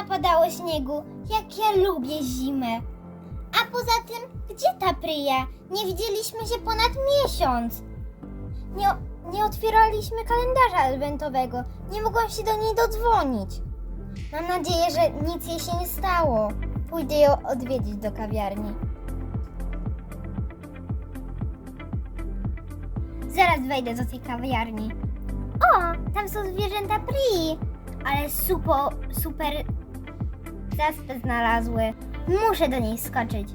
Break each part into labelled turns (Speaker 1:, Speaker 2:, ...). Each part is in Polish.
Speaker 1: napadało śniegu, jak ja lubię zimę. A poza tym, gdzie ta Pryja? Nie widzieliśmy się ponad miesiąc. Nie otwieraliśmy kalendarza adwentowego. Nie mogłam się do niej dodzwonić. Mam nadzieję, że nic jej się nie stało. Pójdę ją odwiedzić do kawiarni. Zaraz wejdę do tej kawiarni. O, tam są zwierzęta Prii. Ale super zaspę znalazły. Muszę do niej skoczyć.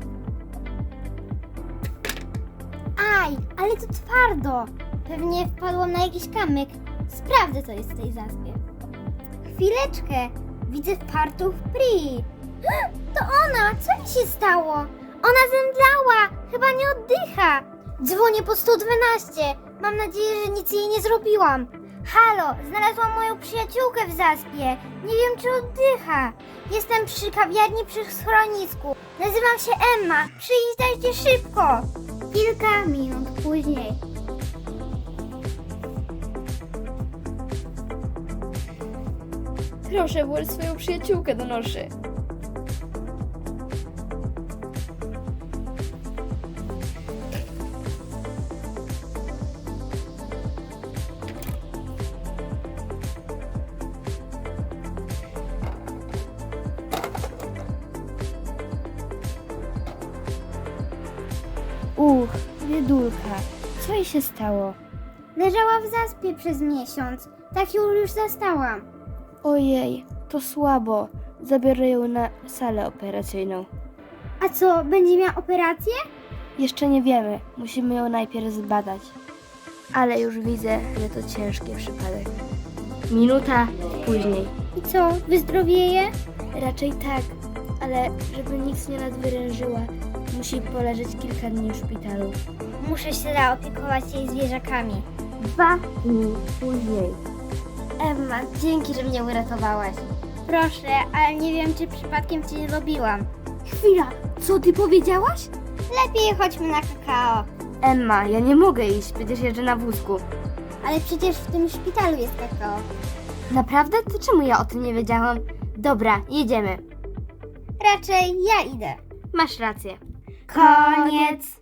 Speaker 1: Aj, ale to twardo. Pewnie wpadłam na jakiś kamyk. Sprawdzę, co jest w tej zaspie. Chwileczkę. Widzę fartuch Prii. To ona! Co mi się stało? Ona zemdlała. Chyba nie oddycha. Dzwonię po 112. Mam nadzieję, że nic jej nie zrobiłam. Halo, znalazłam moją przyjaciółkę w zaspie. Nie wiem, czy oddycha. Jestem przy kawiarni przy schronisku. Nazywam się Emma. Przyjdźcie szybko. Kilka minut później.
Speaker 2: Proszę, włóż swoją przyjaciółkę do noszy.
Speaker 3: Biedulka, co jej się stało?
Speaker 1: Leżała w zaspie przez miesiąc. Tak ją już zastałam.
Speaker 3: Ojej, to słabo. Zabiorę ją na salę operacyjną.
Speaker 1: A co, będzie miała operację?
Speaker 3: Jeszcze nie wiemy, musimy ją najpierw zbadać. Ale już widzę, że to ciężki przypadek. Minuta później.
Speaker 1: I co, wyzdrowieje?
Speaker 3: Raczej tak, ale żeby nic nie nadwyrężyła, musi poleżeć kilka dni w szpitalu.
Speaker 1: Muszę się zaopiekować jej zwierzakami.
Speaker 3: 2 dni później.
Speaker 1: Emma, dzięki, że mnie uratowałaś. Proszę, ale nie wiem, czy przypadkiem cię nie lubiłam.
Speaker 3: Chwila, co ty powiedziałaś?
Speaker 1: Lepiej chodźmy na kakao.
Speaker 3: Emma, ja nie mogę iść, przecież jeżdżę na wózku.
Speaker 1: Ale przecież w tym szpitalu jest kakao.
Speaker 3: Naprawdę? To czemu ja o tym nie wiedziałam? Dobra, jedziemy.
Speaker 1: Raczej ja idę.
Speaker 3: Masz rację.
Speaker 1: Koniec.